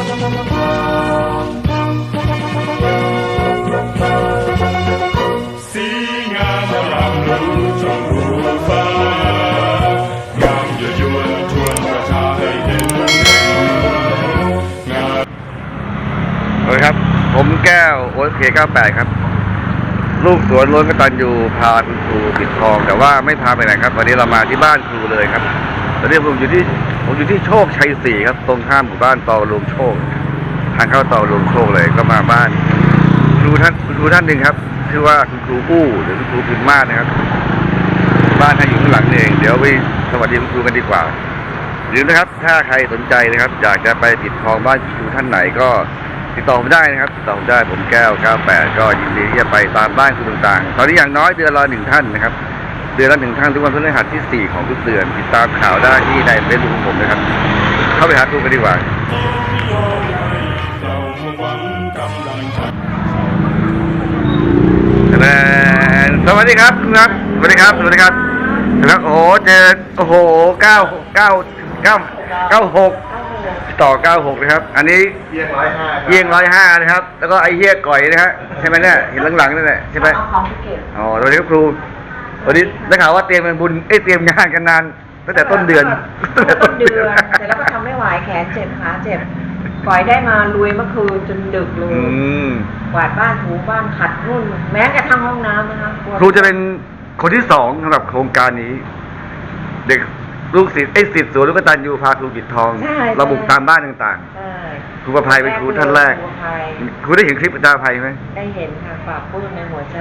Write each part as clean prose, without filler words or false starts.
สีงามยามรู้จงรู้ฟ้างามยั่วยวนชวนประชาให้เห็นงามสวัสดีครับผมแก้วโอ๊ตเค98ครับลูกสวนล้วนกตัญญูพาคุณครูปิดทองแต่ว่าไม่พาไปไหนครับวันนี้เรามาที่บ้านครูเลยครับตอนนี้ผมอยู่ที่โชคชัย4ครับตรงข้ามหมู่บ้านตอรวมโชคทางเข้าตอรวมโชคเลยก็มาบ้านคุณครูท่านหนึ่งครับชื่อว่าคุณครูอู้หรือคุณครูพิมมาศนะครับบ้านท่านอยู่ข้างหลังเองเดี๋ยวไปสวัสดีคุณครูกันดีกว่าหรือนะครับถ้าใครสนใจนะครับอยากจะไปปิดทองบ้านครูท่านไหนก็ติดต่อผมได้นะครับติดต่อผมได้ผมแก้ว98ก็ยินดีที่จะไปตามบ้านคุณต่างๆตอนนี้อย่างน้อยเดือนละ1ท่านนะครับเดือนละ1ท่านทุกวันพฤหัสที่4ของทุกเดือนติดตามข่าวได้ที่ในเฟซบุ๊กของผมนะครับเข้าไปหาดูกันดีกว่าสวัสดีครับครับสวัสดีครับสวัสดีครับแล้วโอ้โหเจอโอ้โห96ต่อ96นะครับอันนี้เยี่ยง105นะครับแล้วก็ไอ้เหี้ยก่อยนะฮะใช่ไหมเนี่ยเห็นหลังๆนั่นแหละใช่ไหมอ๋อสวัสดีครับครูวันนี้ได้ข่าวว่าเตรียมเป็นบุญเตรียมงานกันนานตั้งแต่ต้นเดือนเสร็จแล้วก็ทำไม่ไหวแขนเจ็บขาเจ็บปล่อยได้มาลุยเมื่อคืนจนดึกเลยกวาดบ้านถูบ้านขัดนู่นแม้กระทั่งห้องน้ำนะคะครูจะเป็นคนที่2สำหรับโครงการนี้เด็กลูกศิษย์ศิษย์สวนลูกกตัญญูพาครูปิดทองเราบุกตามบ้านต่างๆครูประภัยเป็นครูท่านแรกครูได้เห็นคลิปอาจารย์ประภัยไหมได้เห็นค่ะฝากพูดในหัวใจ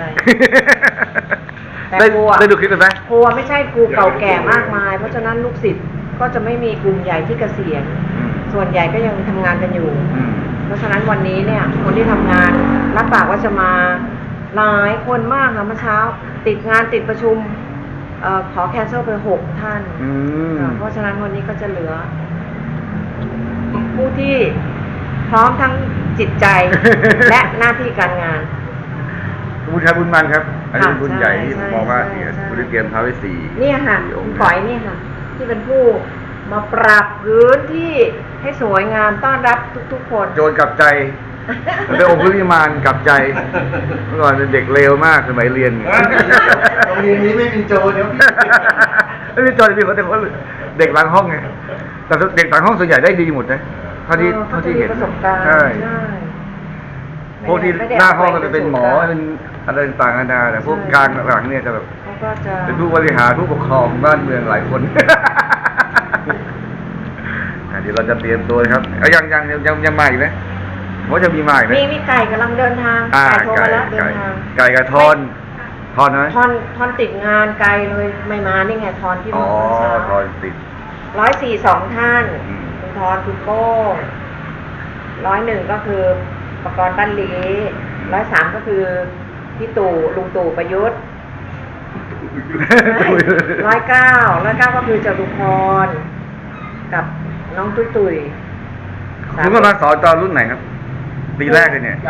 ได้ดูคลิปไหมครูไม่ใช่ครูเก่าแก่มากมายเพราะฉะนั้นลูกศิษย์ก็จะไม่มีกลุ่มใหญ่ที่เกษียณส่วนใหญ่ก็ยังทำงานกันอยู่เพราะฉะนั้นวันนี้เนี่ยคนที่ทำงานรับปากว่าจะมาหลายคนมากค่ะเมื่อเช้าติดงานติดประชุมขอแคนเซิลไป6 ท่านเพราะฉะนั้นวันนี้ก็จะเหลือผู้ที่พร้อมทั้งจิตใจ และหน้าที่การงานบุญครับบุญมันครับอันนี้บุญใหญ่ที่ผมมองว่าบุญเตรียมท้าวเวสสีนี่ค่ะคุณฝอยนี่ค่ะที่เป็นผู้มาปรับพื้นที่ให้สวยงามต้อนรับทุกๆคนโจรกลับใจเป็นองค์พระวิมานกลับใจเมื่อก่อนเป็นเด็กเลวมากสมัยเรียนโรงเรียนนี้ไม่มีโจรเดี๋ยวไม่มีโจรมีคนแต่คนเด็กหลังห้องไงแต่เด็กหลังห้องส่วนใหญ่ได้ดีหมดนะเท่าที่เห็นใช่พวกที่หน้าห้องก็จะเป็นหมอเป็นอะไรต่างๆนานาแต่พวกกลางหลังเนี่ยจะแบบเป็นผู้บริหารผู้ปกครองบ้านเมืองหลายคนเดี๋ยวเราจะเตรียมตัวครับยังมาอีกไหมว่าจะมีมาอีกไหมมีไก่กำลังเดินทางไก่โทรมาแล้วเดินทางไก่กับทอนไหมทอนติดงานไกลเลยไม่มานี่ไงทอนที่มาทอนติด 142 ท่านคุณทอนคุณโป้ง101ก็คือประกรณ์บ้านลี103ก็คือพี่ตู่ลุงตู่ประยุทธ์109ก็คือจตุพรกับน้องตุ้ยคุณกำลังสอนตอนรุ่นไหนครับปีแรกเลยเนี่ย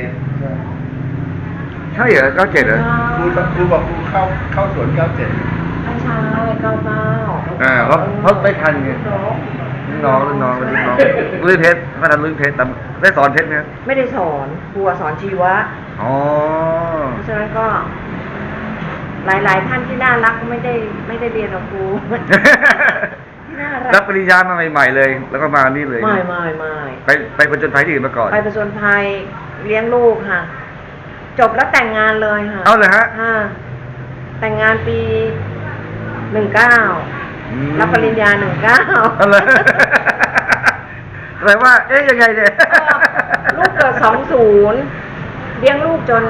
97 ใช่เหรอ97เหรอครูบอกครูเข้าสวน97 ไม่ใช่99 เพราะไม่ทันไงน้องรุ่นเพชรไม่ทันรุ่นเพชรแต่ได้สอนเพชรไหมไม่ได้สอนครูสอนชีวะเพราะฉะนั้นก็หลายท่านที่น่ารักไม่ได้เรียนกับครูรับปริญญามาใหม่ๆเลยแล้วก็มานี่เลยไม่ไปผจญภัยที่อื่นมาก่อนไปผจญภัยเลี้ยงลูกค่ะจบแล้วแต่งงานเลยค่ะเอาเลยฮะแต่งงานปี19รับปริญญา19 เอาเลยแปลว่ายังไงเนี่ยลูกเกิด20เลี้ยงลูกจน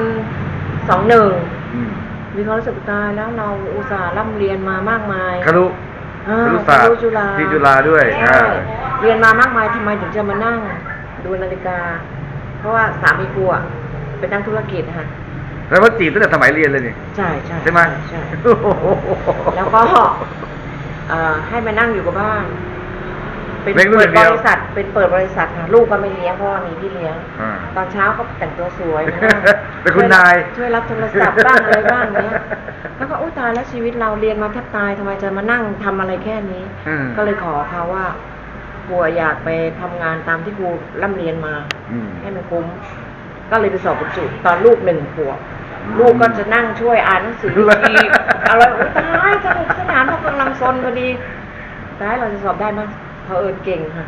21มีความรู้สึกตายแล้วเราอุตส่าห์ร่ำเรียนมามากมายครุศาสตร์ที่จุฬาด้วยเรียนมามากมายทำไมถึงจะมานั่งดูนาฬิกาเพราะว่าสามีครูเป็นนักธุรกิจค่ะแล้วว่าจีบตั้งแต่สมัยเรียนเลยนี่ใช่ไหมใช่แล้วก็ให้มานั่งอยู่กับบ้านเป็นเปิดบริษัทค่ะลูกก็ไม่เลี้ยงเพราะว่ามีพี่เลี้ยงตอนเช้าก็แต่งตัวสวยเป็นคุณนายช่วยรับโทรศัพท์บ้างอะไรบ้างเนี้ยแล้วก็อุ้ยตายแล้วชีวิตเราเรียนมาแทบตายทำไมจะมานั่งทำอะไรแค่นี้ก็เลยขอเขาว่าครูอยากไปทำงานตามที่ครูร่ำเรียนมาอืมให้มันคุ้มก็เลยไปสอบบรรจุตอนลูก1 ขวบลูกก็จะนั่งช่วยอ่านหนังสือดีอะไรโอ๊ยตายสนุกสนานเพราะกำลังซนพอดีแต่เราจะสอบได้มั้ยเผอิญเก่งค่ะ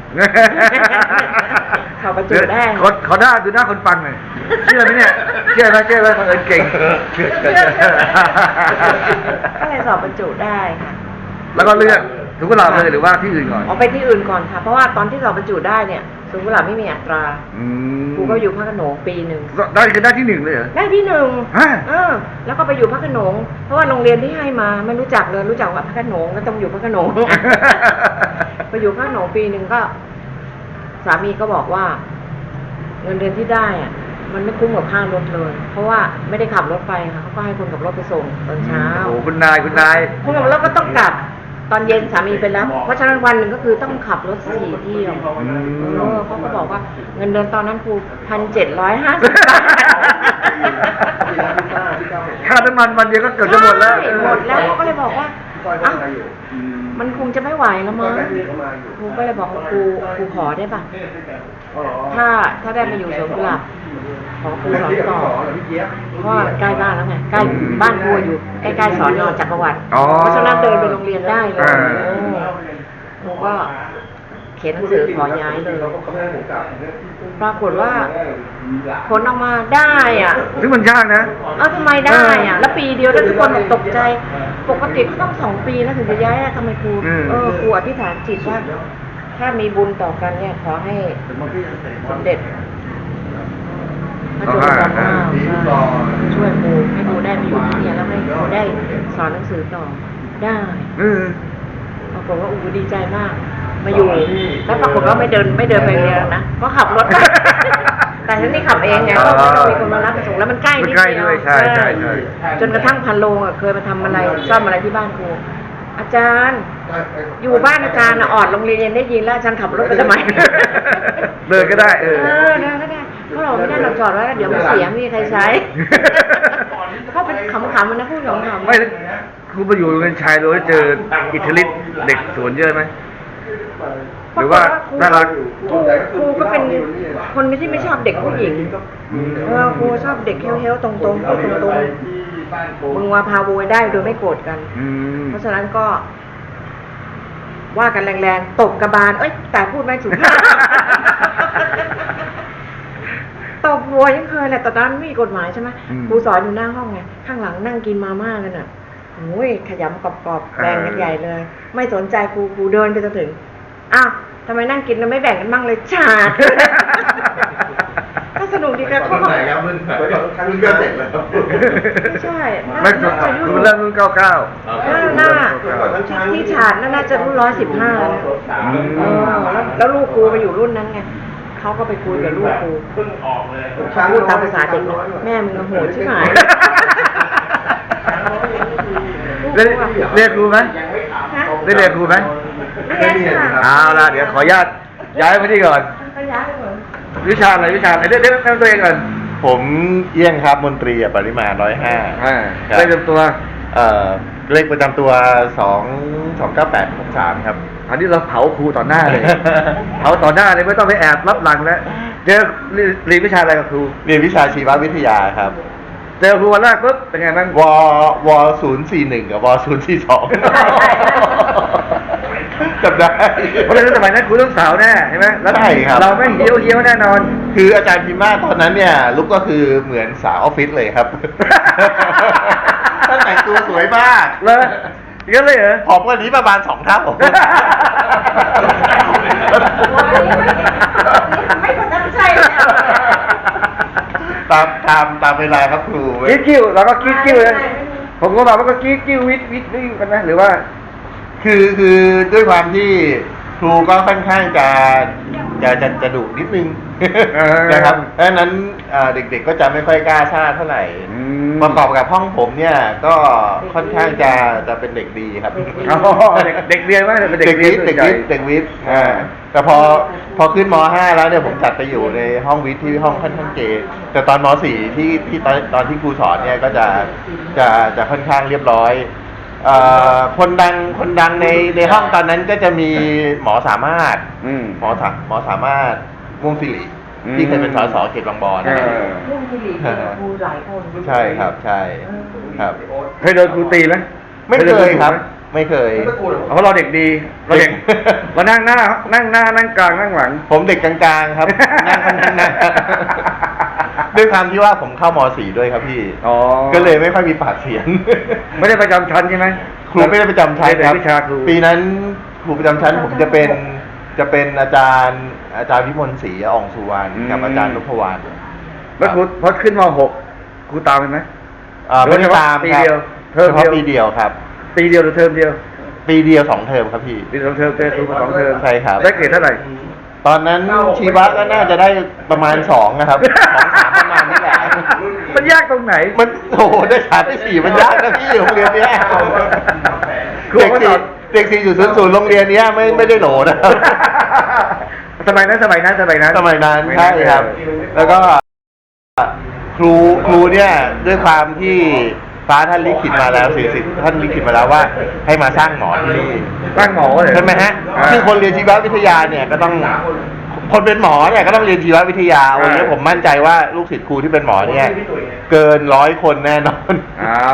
สอบบรรจุได้ขอหน้าดูหน้าคนฟังหน่อยเชื่อไหมเนี่ยเชื่อไหมบังเอิญเก่งก็เลยสอบบรรจุได้ค่ะแล้วก็เลือกสวนกุหลาบเลยหรือว่าที่อื่นก่อนออกไปที่อื่นก่อนค่ะเพราะว่าตอนที่สอบบรรจุได้เนี่ยสวนกุหลาบไม่มีอัตราอืมครูก็อยู่พระโขนงปีหนึ่งได้คือได้ที่ 1เลยเหรอได้ที่1 ฮะแล้วก็ไปอยู่พระโขนงเพราะว่าโรงเรียนที่ให้มาไม่รู้จักเลยรู้จักว่าพระโขนงก็ต้องอยู่พระโขนง ไปอยู่พระโขนงปีหนึ่งก็ สามีก็บอกว่า เงินเดือนที่ได้อะมันไม่คุ้มกับค่ารถเลย เพราะว่าไม่ได้ขับรถไปค่ะเขาก็ให้คนขับรถไปส่งตอนเช้าโอ้โหคุณนายคนขับรถก็ต้องกลับตอนเย็นสามีไปรับเพราะฉะนั้นวันหนึ่งก็คือต้องขับรถ4 เที่ยวอืมเขาก็บอกว่าเงินเดือนตอนนั้นครู1,750 บาทค่าน้ำมันวันเดียวก็เกือบจะหมดแล้วใช่หมดแล้วเขาก็เลยบอกว่าอ้าวมันคงจะไม่ไหวแล้วมั้งครูก็เลยบอกว่าครูขอได้ป่ะถ้าได้มาอยู่สวนกุหลาบขอครูสอนต่อเพราะว่าใกล้บ้านแล้วไงใกล้บ้านครูอยู่ใกล้ๆสอนจักรวรรดิอ๋อเพราะฉะนั้นเดินไปโรงเรียนได้เลยอ่าครูก็เขียนหนังสือขอย้ายเลยปรากฏว่าผลออกมาได้อ่ะซึ่งมันยากนะทำไมได้อ่ะ แล้วปีเดียวแล้วทุกคนแบบตกใจ ปกติต้อง2 ปีแล้วถึงจะย้ายทำไมครู ครูอธิษฐานจิตว่าถ้ามีบุญต่อกันเนี่ยขอให้สำเร็จพระจุลจอมเกล้าช่วยครูให้ครูได้มาอยู่ที่นี่แล้วให้ครูได้สอนหนังสือต่อได้ปรากฏว่าดีใจมาก มาอยู่แล้วปรากฏว่าไม่เดินไปเรียนนะก็ขับรถ แต่ฉันนี่ขับเองไงเพราะว่ามีคนมารับมาส่งแล้วมันใกล้นิดเดียวใช่จนกระทั่งพันโลงเคยมาทำอะไรซ่อมอะไรที่บ้านครูอาจารย์อยู่บ้านอาจารย์ออดโรงเรียนได้ยินแล้วอาจารย์ขับรถไปทำไมเดินก็ได้เดินก็ได้เพราะเราไม่ได้เราจอดไว้แล้วเดี๋ยวมันเสียไม่มีใครใช้เขาเป็นขำๆมันนะพูดขำๆไม่ครูมาอยู่โรงเรียนชายโดยเจออิทธิฤทธิ์เด็กสวนเยอะไหมหรือว่าน่ารักครูก็เป็นคนที่ไม่ชอบเด็กผู้หญิงครูชอบเด็กเฮ้วๆตรงๆพูดตรงๆมึงว่าพาโวยได้โดยไม่โกรธกัน เพราะฉะนั้นก็ว่ากันแรงๆตบกระบาลแต่พูดไม่สุภาพ ตบหัวยังเคยแหละแต่ตอนนั้นไม่มีกฎหมายใช่ไหมครูสอนอยู่หน้าห้องไงข้างหลังนั่งกินมาม่ากันอ่ะโอ้ยขยำกรอบๆแบ่งกันใหญ่เลย ไม่สนใจครูเดินไปจนถึงอ้าวทำไมนั่งกินแล้วไม่แบ่งกันบ้างเลยฉาด ก็สนุกดีค่ะเขาบอกมึงก็เสร็จแล้วไม่ใช่ไม่คือเริ่มรุ่น99 น่าที่ฉาดน่าจะรุ่น115แล้วลูกครูไปอยู่รุ่นนั้นไงเขาก็ไปคุยกับลูกครูพูดตามภาษาเด็กแม่มึงโหดใช่ไหมเรียกครูไหมได้เรียกครูไหมไม่เรียนค่ะเอาล่ะเดี๋ยวขออนุญาตย้ายไปที่ก่อนก็ย้ายไปเหมือนวิชาอะไรเดี๋ยวตัวเองก่อนผมเอี้ยงครับมนตรีปริมาณ105 ได้เต็มตัวเลขประจำตัว29863ครับอันนี้เราเผาครูต่อหน้าเลย เผาต่อหน้าเลยไม่ต้องไปแอบรับหลังแล้วเจอเรียนวิชาอะไรกับครูเรียนวิชาชีววิทยาครับเจอครูวันแรกปุ๊บเป็นไงบ้างว041กับว042จำได้เพราะฉะนั้นสมัยนั้นครูต้องสาวแน่ใช่ไหมแล้วใช่ครับเราไม่เหี้ยวแน่นอนคืออาจารย์พิมมาตอนนั้นเนี่ยลุกก็คือเหมือนสาวออฟฟิศเลยครับ ตั้งแต่งตัวสวยมากเลยเยอะเลยเหรอผอมกว่านี้ประมาณ2 เท่าไม่คนนั้นใช่แล้วตามเวลาครับครูคิดกิ้วเราก็คิดกิ้วนะผมก็บอกว่าก็คิดกิ้ววิทย์นี่กันไหมหรือว่าคือด้วยความที่ครูก็ค่อนข้างจะดุนิดนึง นะครับดังนั้นเด็กๆก็จะไม่ค่อยกล้าซ่าเท่าไหร่ประกอบกับห้องผมเนี่ยก็ค่อนข้างจะเป็นเด็กดีครับเด็กเรียนว่าเป็นเด็กเรียนเด็กวิทย์แต่พอขึ้นม.5 แล้วเนี่ยผมจัดไปอยู่ในห้องวิทย์ที่ห้องค่อนข้างเกย์แต่ตอนม.4 ที่ตอนที่ครูสอนเนี่ยก็จะค่อนข้างเรียบร้อยคนดังในห้องตอนนั้นก็จะมีหมอสามารถ หมอสามารถม่วงสิริที่เคยเป็นสสเขตบางบอนเรื่องที่หลีเป็นครูหลายคนใช่ครับใช่ครับเคยโดนครูตีไหมไม่เคยครับ ไม่เคยเพราะเราเด็กดีเราเด็กเรานั่งหน้านั่งกลางนั่งหลังผมเด็กกลางๆครับ นั่งค่อนข้างหน้าด้วยความที่ว่าผมเข้าม .4 ด้วยครับพี่อ๋อก็เลยไม่ค่อยมีปากเสียงไม่ได้ประจำชั้นใช่ไหมครูไม่ได้ประจำชั้นครับเรียนวิชาครูปีนั้นครูประจำชั้นผมจะเป็นอาจารย์วิมลศรีอ่องสุวรรณกับอาจารย์นพวรรณแล้วครูพอขึ้นม .6 ครูตามไปไหมไม่ได้ตามปีครับเดียวเทอมเฉพาะเดียวปีเดียวครับปีเดียวหรือเทอมเดียวปีเดียว2 เทอมครับพี่ปี2 เทอมเจอครูมา2 เทอมใช่ครับได้เกรดเท่าไหร่ตอนนั้นชีวะก็น่าจะได้ประมาณ2นะครับ2-3ประมาณนี้แหละมันยากตรงไหนมันโอ้โหได้3ได้4มันยากนะพี่โรงเรียนเนี้ยครูก็สอนเด็ก4.00โรงเรียนเนี้ยไม่ได้โหลนะครับสมัยนั้นสมัยนั้นใช่ครับ แล้วก็ครูเนี่ยด้วยความที่ฟ้าท่านลิขิตมาแล้วสิ่งท่านลิขิตมาแล้วว่าให้มาสร้างหมอที่นี่ตั้งหมอเลยใช่ไหมฮะซึ่งคนเรียนชีววิทยาเนี่ยก็ต้องคนเป็นหมอเนี่ยก็ต้องเรียนชีววิทยาวันนี้ผมมั่นใจว่าลูกศิษย์ครูที่เป็นหมอเนี่ยเกิน100 คนแน่นอนอ้าว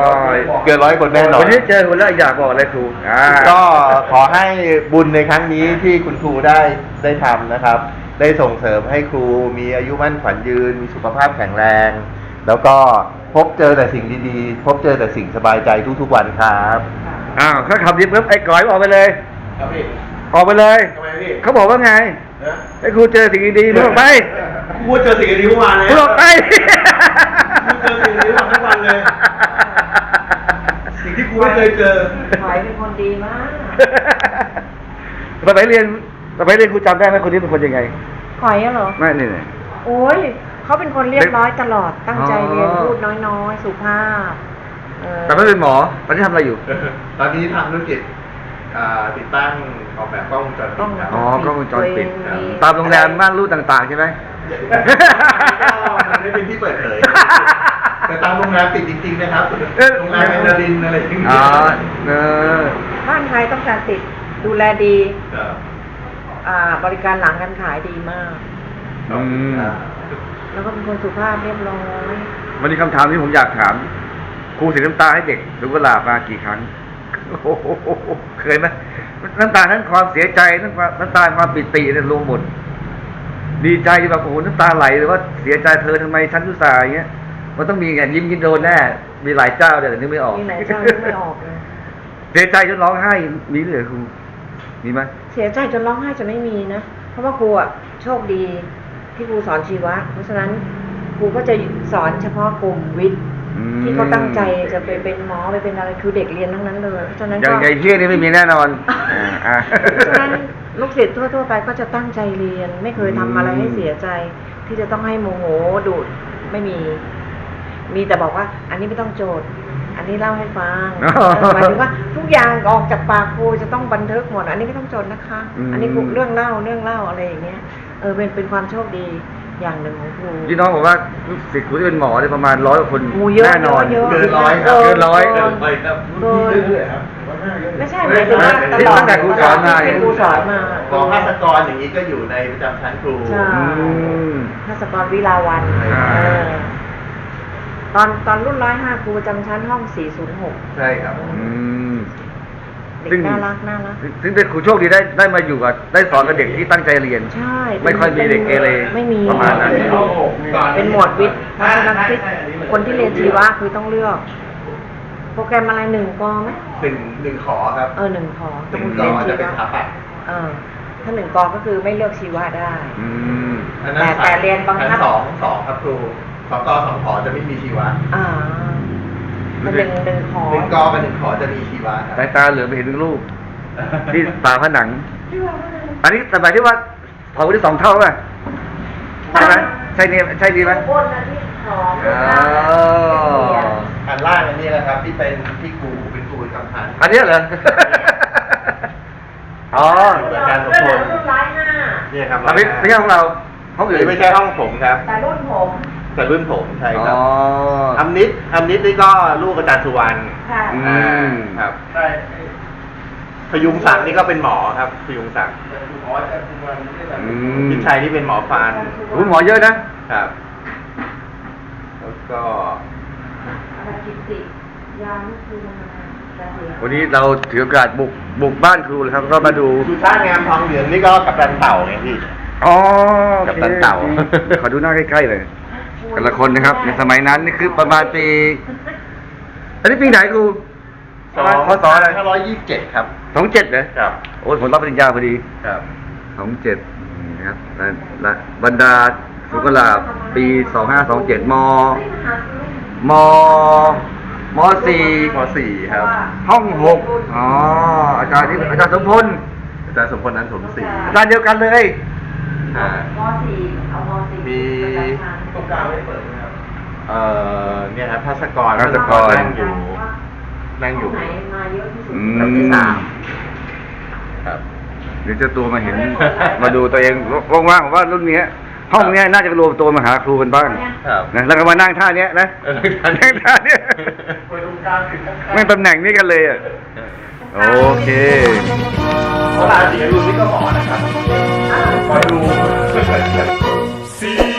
เกิน100 คนแน่นอนวันนี้เจอคุณแล้วอยากบอกอะไรครูก็ก็ขอให้บุญในครั้งนี้ที่คุณครูได้ทำนะครับ ได้ส่งเสริมให้ครูมีอายุมั่นขวัญยืน มีสุขภาพแข็งแรง แล้วก็พบเจอแต่สิ่งดีๆ พบเจอแต่สิ่งสบายใจทุกๆวันครับอ้าวถ้าขับดีปุ๊บไอ้ก้อยออกไปเลยครับพี่ออกไปเลยทำไมพี่เขาบอกว่าไงให้ครูเจอสิ่งดีๆมึงออกไปครูเจอสิ่งดีเมื่อวานเลยมึงออกไปครูเจอสิ่งดีทุกวันเลย สิ่งที่ครูไม่เคยเจอหอยเป็นคนดีมากสมัยเรียนครูจำได้ไหมคนนี้เป็นคนยังไงหอยอะเหรอไม่นี่โอ้ยเขาเป็นคนเรียบร้อยตลอด ตั้งใจเรียนอ๋อพูดน้อยๆ สุภาพแต่ไม่เป็นหมอตอนนี้ทำอะไรอยู่ตอนนี้ทำธุรกิจติดตั้งออกแบบกล้องวงจรปิดครับอ๋อกล้องวงจรปิดตัวเองมีตามโรงแรมม่านรูดต่างๆใช่ไหมมันไม่เป็นที่เปิดเผย แต่ตามโรงแรมปิดจริงๆนะครับ โรงแรมเอนารินอะไรอย่างเงี้ยอ๋อเออบ้านใครต้องการติดดูแลดีครับบริการหลังการขายดีมากอืมแล้วก็เป็นคนสุภาพเรียบร้อยวันนี้คำถามที่ผมอยากถาม ครูเสียน้ำตาให้เด็กหรือกุหลาบมากี่ครั้งโอ้โหเคยไหมน้ำตาทั้งความเสียใจน้ำตาความปิติเนี่ยรวมหมด ดีใจแบบโอ้โหน้ำตาไหลหรือว่าเสียใจเธอทำไมฉันอุตส่าห์อย่างเงี้ยมันต้องมีไงยิ้มกินโดนแน่มีหลายเจ้าเดี๋ยวนึกไม่ออกมีไหนเจ้านึกไม่ออกเลยเสียใจจนร้องไห้มีด้วยเหรอครูมีไหมเสียใจจนร้องไห้จะไม่มีนะ เพราะว่าครูอะโชคดีที่ครูสอนชีวะ เพราะฉะนั้นครูก็จะสอนเฉพาะกลุ่มวิทย์ที่เขาตั้งใจจะไปเป็นหมอไปเป็นอะไรคือเด็กเรียนทั้งนั้นเลย เพราะฉะนั้นอย่างก็ไอ้เที่ยนี่ไม่มีแน่นอนอ่าเพราะฉะนั้นลูกศิษย์ทั่วๆไปก็จะตั้งใจเรียน ไม่เคยทำอะไรให้เสียใจ ที่จะต้องให้โมโหดุไม่มี มีแต่บอกว่า อันนี้ไม่ต้องโจทย์ อันนี้เล่าให้ฟังหมายถึงว่าทุกอย่างออกจากปากครูจะต้องบันทึกหมด อันนี้ไม่ต้องโจทย์นะคะ อันนี้เรื่องเล่าอะไรอย่างเงี้ยเป็นความโชคดีอย่างหนึ่งของครูพี่น้องบอกว่าลูกศิษย์ครูที่เป็นหมอเนี่ยประมาณ100 กว่าคนโอ้เยอะแน่นอนเยอะเกินร้อยครับเกินร้อยเกินครับเกินเรื่อยๆครับไม่ใช่หมายถึงว่าตลอดตั้งแต่ครูสอนมาที่ครูสอนมาหมอภาสกรอย่างนี้ก็อยู่ในประจำชั้นครูใช่อืมภาสกรวิลาวันอ่าตอนรุ่น105ครูประจำชั้นห้อง406 ใช่ครับอืมเด็กน่ารักถึงเป็นครูโชคดีได้มาอยู่กับได้สอนกับเด็กที่ตั้งใจเรียนใช่ไม่ค่อยมีเด็กเกเรไม่มีประมาณนั้นเป็นหมวดวิทย์เพราะฉะนั้นคนที่เรียนชีวะคือต้องเลือก โปรแกรมอะไร1 กไหมหนึ่งขอครับ 1 ขอหนึ่งคุณกเรียนอชีจะเป็นวะสถาปัตย์ถ้า1 กก็คือไม่เลือกชีวะได้อืมอันนั้นแต่เรียนบังคับชั้นสองครับครู2 ก2 ขอจะไม่มีชีวะมันหนึ่งขอ 1 กกับ1 ขอจะมีชีวะครับสายตาเหลือไปเห็นรูปที่ฝาผนัง อันนี้สมัยที่ว่าเผาที่2 เท่าป่ะใช่ไหมใช่เนี่ยใช่ดีไหมบนอันที่ขออ๋ออันล่างอันนี้แหละครับที่เป็นที่ครูเป็นครูประจำชั้นอันเนี้ยเหรอ อ๋ออาจารย์สมพลรุ่น105 เนี่ยครับอันนี้ไม่ใช่ของเราห้องอื่นไม่ใช่ห้องผมครับแต่รุ่นผมแต่รุ่นผมใช่ครัอ๋บออำนิดนี่ก็ลูกอาจารย์สุวรรณค่ะอืมครับพยุงศักดิ์นี่ก็เป็นหมอครับพยุงศักดิ์อืมพิชัยนี่เป็นหมอฟันโอ้หมอเยอะนะครับแล้วก็อะไรกิตติยามคือเกษียณวันนี้เราถือโอกาสบุกบ้านครูเลยครับ ก็มาดูสุชาติงามทองเหลืองนี่ก็กับตันเต่าไงพี่อ๋อกัปตันเต่าขอดูหน้าใกล้ๆเลย แต่ละคนนะครับ ในสมัยนั้นนี่คือประมาณปี อันนี้ปีไหนครูพศอะไร 2527ครับ 27เหรอครับโอ้ยผมรับปริญญาพอดีครับ 27นะครับและบรรดาสุกลาปี 2527 ม 4 ม .4 ครับห้อง 6 อ๋อ อาจารย์ที่อาจารย์สมพลอาจารย์สมพลนั้นสมศรีอาจารย์เดียวกันเลยอ่าม .4 เอาม .4 มีตรงกลางไม่เปิดครับเนี่ยครับภาสกรภาสกรนั่งอยู่ไหนมาเยอะที่สุดอืลำที่ม 3ครับเดี๋ยวเจะตัวมาเห็น มาดูตัวเองว่างๆว่ารุ่นเนี้ย ห้องเนี้ยน่าจะรวมตัวมาหาครูกันบ้างครับนะแล้วก็มานั่งท่าเนี้ยนะ นั่งท่าเนี้ยไม่ตำแหน่งนี้กันเลยอ่ะ โอเคเวลาสีรุ่นนี้ก็หมอนะครับสี